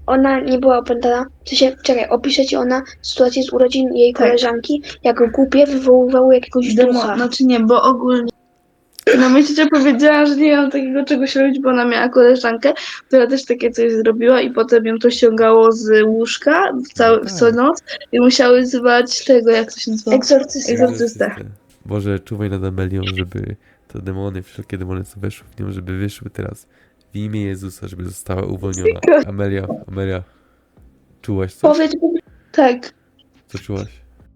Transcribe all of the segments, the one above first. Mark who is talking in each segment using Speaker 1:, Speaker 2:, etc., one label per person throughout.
Speaker 1: ona nie była opętana. W sensie, czekaj, opisze ci ona sytuację z urodzin jej
Speaker 2: Tak.
Speaker 1: koleżanki, jak głupie wywoływały jakiegoś ducha.
Speaker 2: Znaczy nie, bo ogólnie na myśli powiedziała, że nie mam takiego czegoś robić, bo ona miała koleżankę, która też takie coś zrobiła i potem ją to ściągało z łóżka w co noc i musiały zwać tego, jak to się nazywa? Egzorcystę.
Speaker 3: Boże, czuwaj nad Amelią, żeby te demony, wszelkie demony, co weszły w nią, żeby wyszły teraz w imię Jezusa, żeby została uwolniona. Amelia, czułaś coś?
Speaker 2: Powiedz, tak.
Speaker 3: Co czułaś?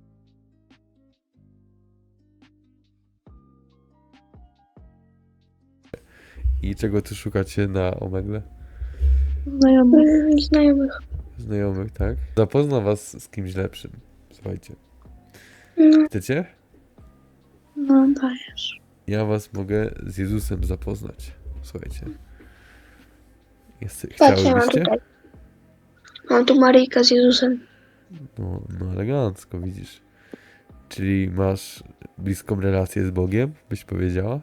Speaker 3: I czego tu szukacie na Omegle?
Speaker 1: Znajomych.
Speaker 3: Znajomych, tak? Zapozna was z kimś lepszym. Słuchajcie.
Speaker 1: No,
Speaker 3: Chcecie?
Speaker 2: No dajesz.
Speaker 3: Ja was mogę z Jezusem zapoznać. Słuchajcie.
Speaker 1: patrz, ja mam
Speaker 3: Chciałybyście?
Speaker 1: tutaj. Mam tu Maryjkę z Jezusem.
Speaker 3: No elegancko, widzisz. Czyli masz bliską relację z Bogiem, byś powiedziała?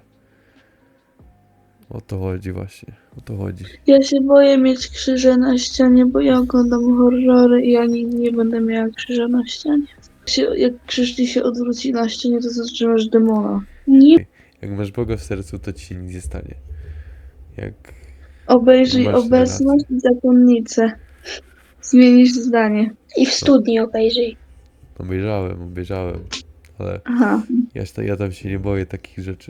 Speaker 3: O to chodzi właśnie, o to chodzi.
Speaker 2: Ja się boję mieć krzyże na ścianie, bo ja oglądam horrory i ja nigdy nie będę miała krzyża na ścianie. Jak krzyż ci się odwróci na ścianie, to zatrzymasz demona. Nie.
Speaker 3: Jak masz Boga w sercu, to ci się nic nie stanie. Jak
Speaker 2: Obejrzyj
Speaker 3: masz
Speaker 2: obecność i zakonnicę. Zmienisz zdanie.
Speaker 1: I w studni obejrzyj.
Speaker 3: obejrzałem, ale
Speaker 2: Aha.
Speaker 3: ja tam się nie boję takich rzeczy.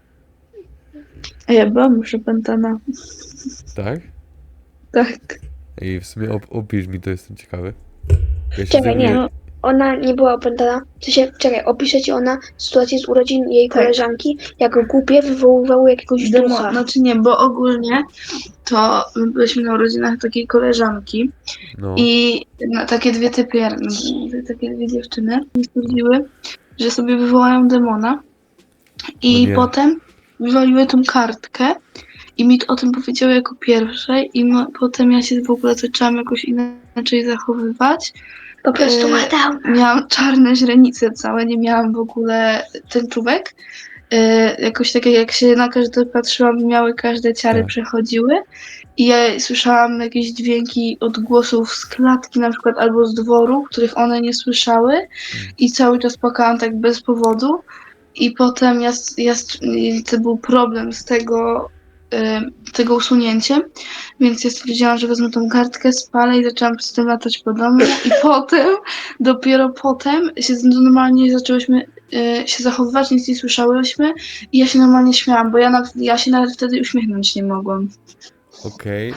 Speaker 2: A ja byłam już opętana.
Speaker 3: Tak?
Speaker 2: Tak.
Speaker 3: I w sumie opisz mi to, jestem ciekawy. Ja się
Speaker 1: Czekaj, nie.
Speaker 3: zajmuję...
Speaker 1: Ona nie była opętana. W sensie, czekaj, opisze ci ona sytuację z urodzin jej
Speaker 2: Tak.
Speaker 1: koleżanki, jak głupie wywoływały jakiegoś ducha.
Speaker 2: Znaczy nie, bo ogólnie to my byliśmy na urodzinach takiej koleżanki
Speaker 3: No,
Speaker 2: i takie takie dwie dziewczyny stwierdziły, że sobie wywołają demona
Speaker 3: O
Speaker 2: i
Speaker 3: nie.
Speaker 2: potem wywaliły tą kartkę i mi o tym powiedziały jako pierwsze i potem ja się w ogóle zaczęłam jakoś inaczej zachowywać.
Speaker 1: Po prostu ma down.
Speaker 2: Miałam czarne źrenice całe, nie miałam w ogóle tęczówek. Jakoś tak jak się na każde patrzyłam, miały każde ciary
Speaker 3: Tak.
Speaker 2: przechodziły i ja słyszałam jakieś dźwięki odgłosów z klatki na przykład albo z dworu, których one nie słyszały i cały czas płakałam tak bez powodu i potem to był problem z tego usunięciem, więc ja stwierdziłam, że wezmę tą kartkę, spalę i zaczęłam z tym latać po domu i dopiero potem normalnie zaczęłyśmy się zachowywać, nic nie słyszałyśmy i ja się normalnie śmiałam, bo ja się nawet wtedy uśmiechnąć nie mogłam.
Speaker 3: Okej,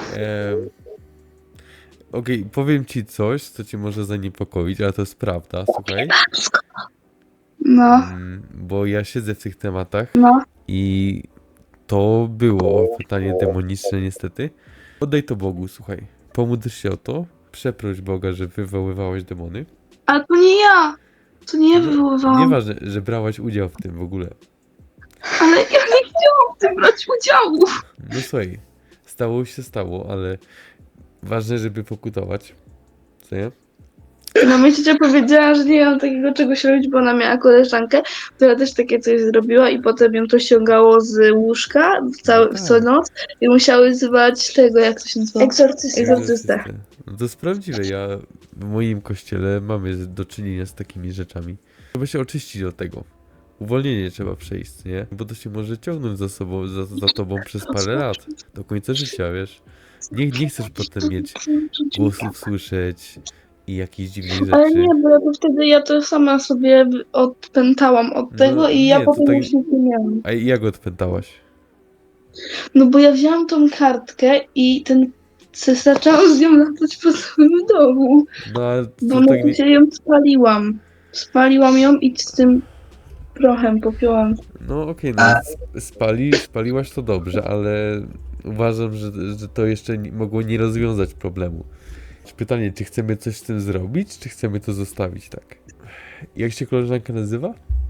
Speaker 3: powiem ci coś, co cię może zaniepokoić, ale to jest prawda, słuchaj.
Speaker 2: No,
Speaker 3: Bo ja siedzę w tych tematach
Speaker 2: no.
Speaker 3: i to było pytanie demoniczne niestety. Oddaj to Bogu, słuchaj. Pomódl się o to, przeproś Boga, że wywoływałeś demony.
Speaker 2: Ale to nie ja! To nie ja
Speaker 3: No,
Speaker 2: wywoływałam.
Speaker 3: Nieważne, że brałaś udział w tym w ogóle.
Speaker 2: Ale ja nie chciałam w tym brać udziału.
Speaker 3: No słuchaj, stało się stało, ale ważne, żeby pokutować. Co nie?
Speaker 2: Na myśli powiedziała, że nie mam takiego czegoś robić, bo ona miała koleżankę, która też takie coś zrobiła i potem ją to ściągało z łóżka w co noc i musiały zwać tego, jak to się nazywa? Egzorcystę.
Speaker 3: No to jest prawdziwe. W moim kościele mamy do czynienia z takimi rzeczami. Trzeba się oczyścić od tego. Uwolnienie trzeba przejść, nie? Bo to się może ciągnąć za sobą, za tobą przez parę lat. Do końca życia, wiesz? Nie chcesz potem mieć głosów słyszeć i jakichś dziwnych rzeczy.
Speaker 2: Ale nie, bo ja to sama sobie odpętałam od tego i ja
Speaker 3: nie, to
Speaker 2: potem
Speaker 3: tak-
Speaker 2: już nic nie miałam.
Speaker 3: A jak odpętałaś?
Speaker 2: No bo ja wzięłam tą kartkę i zaczęłam z nią latać po całym domu.
Speaker 3: No ale
Speaker 2: Bo
Speaker 3: to
Speaker 2: na
Speaker 3: tak nie...
Speaker 2: razie ją spaliłam. Spaliłam ją i z tym prochem popiłam.
Speaker 3: No okej, spaliłaś to dobrze, ale uważam, że to jeszcze mogło nie rozwiązać problemu. Pytanie, czy chcemy coś z tym zrobić, czy chcemy to zostawić tak? Jak się koleżanka nazywa?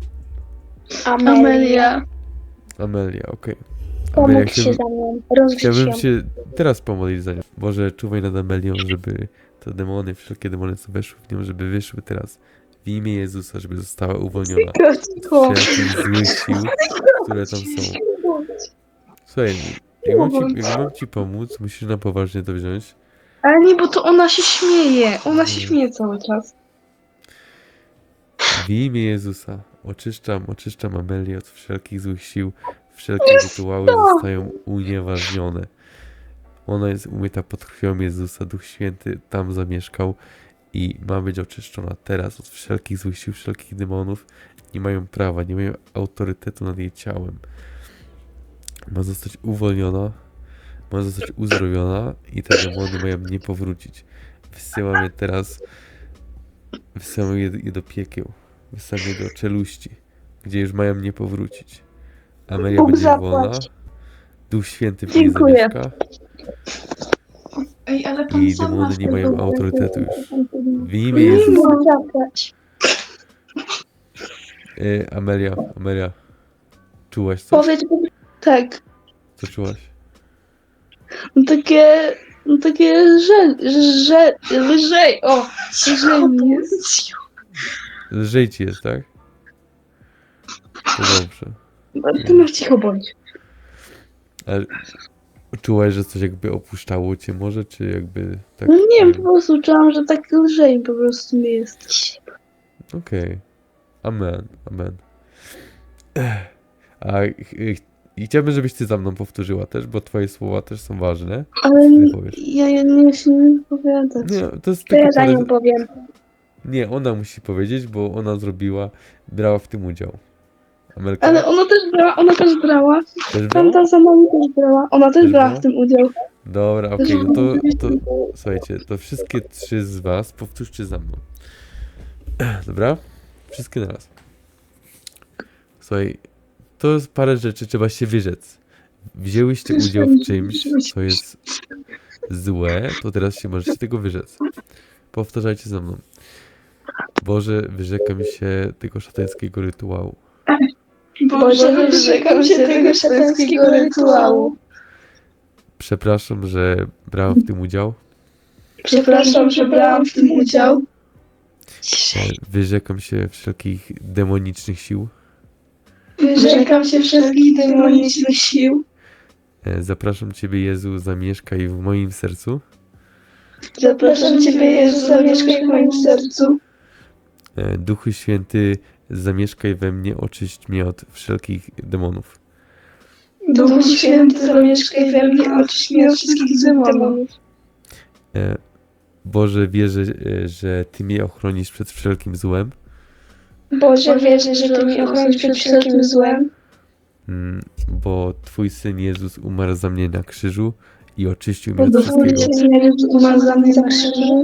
Speaker 2: Amelia.
Speaker 3: Amelia, okej.
Speaker 1: Pomódl się za mną. Rozgrzeć
Speaker 3: Chciałbym
Speaker 1: ją.
Speaker 3: się teraz pomodlić za nią. Boże, czuwaj nad Amelią, żeby te demony, wszelkie demony, co weszły w nią, żeby wyszły teraz w imię Jezusa, żeby została uwolniona od wszelkich złych sił, które tam są. Słuchaj, jak mam ci pomóc, musisz na poważnie to wziąć.
Speaker 2: Ale nie, bo to ona się śmieje. Ona się
Speaker 3: Nie.
Speaker 2: śmieje cały czas.
Speaker 3: W imię Jezusa oczyszczam Amelię od wszelkich złych sił, wszelkie rytuały zostają unieważnione. Ona jest umyta pod krwią Jezusa, Duch Święty tam zamieszkał i ma być oczyszczona teraz od wszelkich złych sił, wszelkich demonów. Nie mają prawa, nie mają autorytetu nad jej ciałem. Ma zostać uwolniona, ma zostać uzdrowiona i te demony mają nie powrócić. Wysyłamy je do piekieł, wysyłamy je do czeluści, gdzie już mają nie powrócić. Amelia
Speaker 1: Bóg
Speaker 3: będzie
Speaker 1: zapłać.
Speaker 3: wolna, Duch Święty w niej
Speaker 2: Dziękuję.
Speaker 3: zamieszka
Speaker 2: Ej, ale pan
Speaker 3: i
Speaker 2: sam
Speaker 3: demony
Speaker 2: masz
Speaker 3: nie
Speaker 2: tego-
Speaker 3: mają autorytetu już. W imię
Speaker 1: Bóg
Speaker 3: Jezusa.
Speaker 1: zapłać.
Speaker 3: Amelia, czułaś coś?
Speaker 1: Powiedz,
Speaker 2: Tak.
Speaker 3: Co czułaś?
Speaker 2: No takie lżej. O, lżej mi jest.
Speaker 3: Lżej ci jest, tak? To dobrze.
Speaker 2: Ty masz cicho bądź.
Speaker 3: Ale czułaś, że coś jakby opuszczało cię może, czy jakby tak?
Speaker 2: No nie wiem, po prostu czułam, że tak lżej po prostu mi jest.
Speaker 3: Okej. Amen. I chciałbym, żebyś ty za mną powtórzyła też, bo twoje słowa też są ważne.
Speaker 2: Ale
Speaker 3: Ty powiesz.
Speaker 2: ja nie chcę nie wypowiadać.
Speaker 3: Nie, to jest
Speaker 1: to ja
Speaker 3: tylko
Speaker 1: za nią powiem.
Speaker 3: Nie, ona musi powiedzieć, bo ona brała w tym udział. Amelka
Speaker 2: Ale ona też brała.
Speaker 3: też brała?
Speaker 2: Tamta za nami też brała. Ona też
Speaker 3: Też
Speaker 2: brała
Speaker 3: brała?
Speaker 2: w tym udział.
Speaker 3: Dobra, okej, no to słuchajcie, to wszystkie 3 z was powtórzcie za mną. Dobra? Wszystkie naraz. Słuchaj, to jest parę rzeczy, trzeba się wyrzec. Wzięłyście udział w czymś, co jest złe, to teraz się możecie tego wyrzec. Powtarzajcie za mną. Boże, wyrzekam się tego szatańskiego rytuału.
Speaker 2: Boże, wyrzekam się tego szatańskiego rytuału.
Speaker 3: Przepraszam, że brałam w tym udział.
Speaker 2: Przepraszam, że brałam w tym udział.
Speaker 3: Wyrzekam się wszelkich demonicznych sił.
Speaker 2: Wyrzekam się wszelkich demonicznych sił.
Speaker 3: Zapraszam Ciebie, Jezu, zamieszkaj w moim sercu.
Speaker 2: Zapraszam Ciebie, Jezu, zamieszkaj w moim sercu.
Speaker 3: Duchu Święty, zamieszkaj we mnie, oczyść mnie od wszelkich demonów.
Speaker 2: Duchu Święty, zamieszkaj we mnie, oczyść mnie od wszystkich demonów.
Speaker 3: Boże, wierzę, że Ty mnie ochronisz przed wszelkim złem,
Speaker 1: Boże, wierzę, że Ty mnie ochronisz przed wszelkim złem,
Speaker 3: bo Twój Syn Jezus umarł za mnie na krzyżu i oczyścił mnie od
Speaker 2: Bo
Speaker 3: wszystkiego.
Speaker 2: Twój Syn Jezus umarł za mnie na krzyżu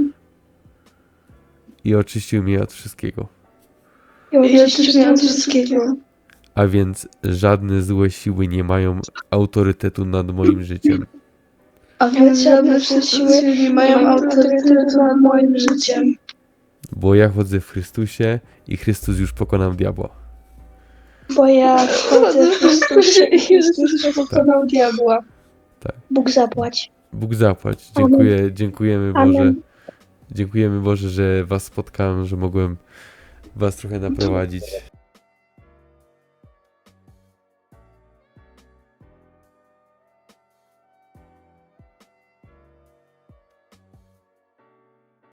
Speaker 3: I oczyścił mnie od wszystkiego.
Speaker 2: i oczyścił mnie od wszystkiego.
Speaker 3: A więc żadne złe siły nie mają autorytetu nad moim życiem.
Speaker 2: A więc żadne siły nie mają autorytetu nad moim życiem.
Speaker 3: Bo ja chodzę w Chrystusie i Chrystus już pokonał diabła.
Speaker 1: bo ja wchodzę w Chrystusie i
Speaker 2: Chrystus pokonał diabła.
Speaker 1: Bóg zapłać.
Speaker 3: Bóg zapłać. Dziękujemy
Speaker 1: Amen.
Speaker 3: Boże. Dziękujemy Boże, że Was spotkałem, że mogłem Was trochę naprowadzić.